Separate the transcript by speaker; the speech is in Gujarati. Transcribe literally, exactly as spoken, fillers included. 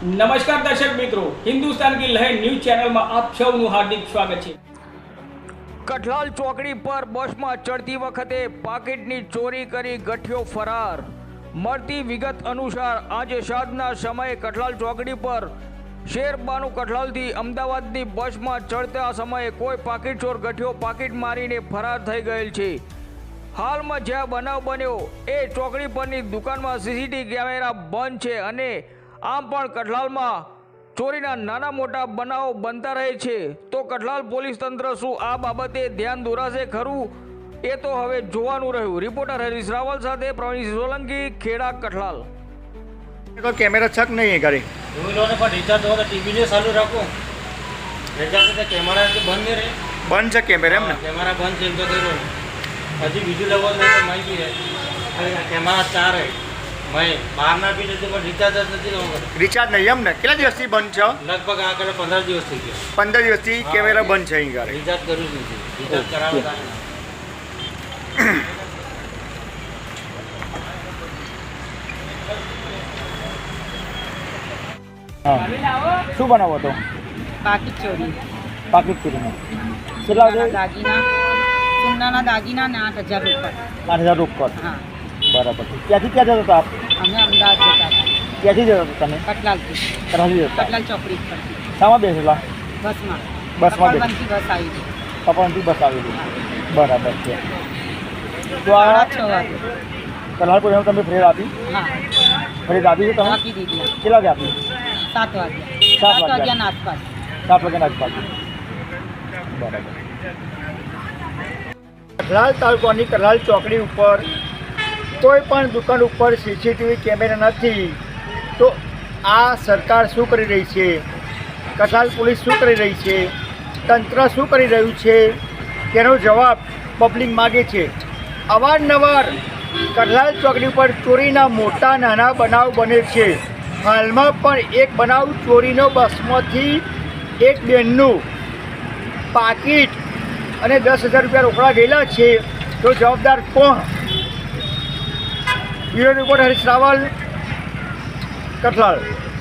Speaker 1: નમસ્કાર દર્શક મિત્રો, હિન્દુસ્તાન की लहर न्यूज चैनल में आप સૌનું હાર્દિક સ્વાગત છે।
Speaker 2: કઠલાલ ચોકડી પર બસમાં ચડતી વખતે પાકીટની ચોરી કરી ગઠિયો ફરાર। મળતી વિગત અનુસાર આજે સાંજના સમયે કઠલાલ ચોકડી પર શેરબાનુ કઠલાલથી અમદાવાદની બસમાં ચડતા સમયે કોઈ પાકીટ ચોર ગઠિયો પાકીટ મારીને ફરાર થઈ ગયેલ છે। હાલમાં જ્યાં બનાવ બન્યો એ ચોકડી પરની દુકાનમાં સીસીટીવી કેમેરા બંધ છે અને આમ પણ કઠલાલમાં ચોરીના નાના મોટા બનાવો બનતા રહે છે, તો કઠલાલ પોલીસ તંત્ર શું આ બાબતે ધ્યાન દોરાશે ખરું એ તો હવે જોવાનું રહ્યું। રિપોર્ટર હરીશ રાવલ સાથે પ્રવીણ સોલંકી, ખેડા, કઠલાલ।
Speaker 3: तो कैमरा छक नहीं है घरे
Speaker 4: पर रिचार्ज हो टीवी ने चालू रखो रिचार्ज से कैमरा के बंद नहीं रहे
Speaker 3: बंद है कैमरा एम ने
Speaker 4: कैमरा बंद है तो करो हजी बीजू लेवल नहीं तो माहिती है कैमरा चार है मैं बाहर ना भी नहीं पर रिचार्ज नहीं होगा
Speaker 3: रिचार्ज नहीं एम ने કેટલા દિવસથી બંધ છે
Speaker 4: लगभग आकर पंद्रह दिवस થઈ ગયા
Speaker 3: पंद्रह દિવસથી કેમેરા બંધ છે અહીં ઘરે
Speaker 4: रिचार्ज करू नहीं रिचार्ज करावता
Speaker 3: હા શું બનાવો તો
Speaker 5: પાકીટ ચોરી
Speaker 3: પાકીટ ચોરીમાં કેટલા
Speaker 5: સોનાના દાગીના સોનાના દાગીના ને આઠ હજાર રૂપિયા।
Speaker 3: આઠ હજાર ઉપર
Speaker 5: હા,
Speaker 3: બરાબર છે ક્યાંથી ક્યાં જતો હતો આપ
Speaker 5: અમે અમદાવાદ જતા હતા,
Speaker 3: ક્યાંથી જતો હતો તમે
Speaker 5: કટલાલથી
Speaker 3: કરાવી જતા
Speaker 5: કટલાલ ચોકડી પરથી
Speaker 3: શામાં બેસેલા
Speaker 5: બસમાં
Speaker 3: બસમાં બેસ
Speaker 5: કપડવંતથી બસ આવી છે
Speaker 3: કપડથી બસ આવેલી બરાબર છે તો આ
Speaker 5: સાડા છ વાગે।
Speaker 3: કલાલ પોલીસમાં તમે ફરેદ આપી
Speaker 5: હા,
Speaker 3: ફરેદ આપી છે તમે
Speaker 5: આપી દીધી
Speaker 3: કેટલા વાગે આપી
Speaker 5: સાત વાગે
Speaker 3: સાત
Speaker 5: સાત
Speaker 3: વાગ્યા.
Speaker 5: વાગ્યાના આસપાસ।
Speaker 3: સાત વાગ્યાના આસપાસ બરાબર। કઠલાલ તાલુકાની કઠલાલ ચોકડી ઉપર કોઈ પણ દુકાન ઉપર સીસીટીવી કેમેરા નથી, તો આ સરકાર શું કરી રહી છે, કઠલાલ પોલીસ શું કરી રહી છે, તંત્ર શું કરી રહ્યું છે તેનો જવાબ પબ્લિક માગે છે। અવારનવાર કઠલાલ ચોકડી ઉપર ચોરીના મોટા નાના બનાવ બને છે। હાલમાં પણ એક બનાવ ચોરીનો બસમાંથી એક બેનનું પાકીટ અને દસ હજાર રૂપિયા રોકડા ગયેલા છે, તો જવાબદાર કોણ? Bureau report Harish Raval, Kathlal.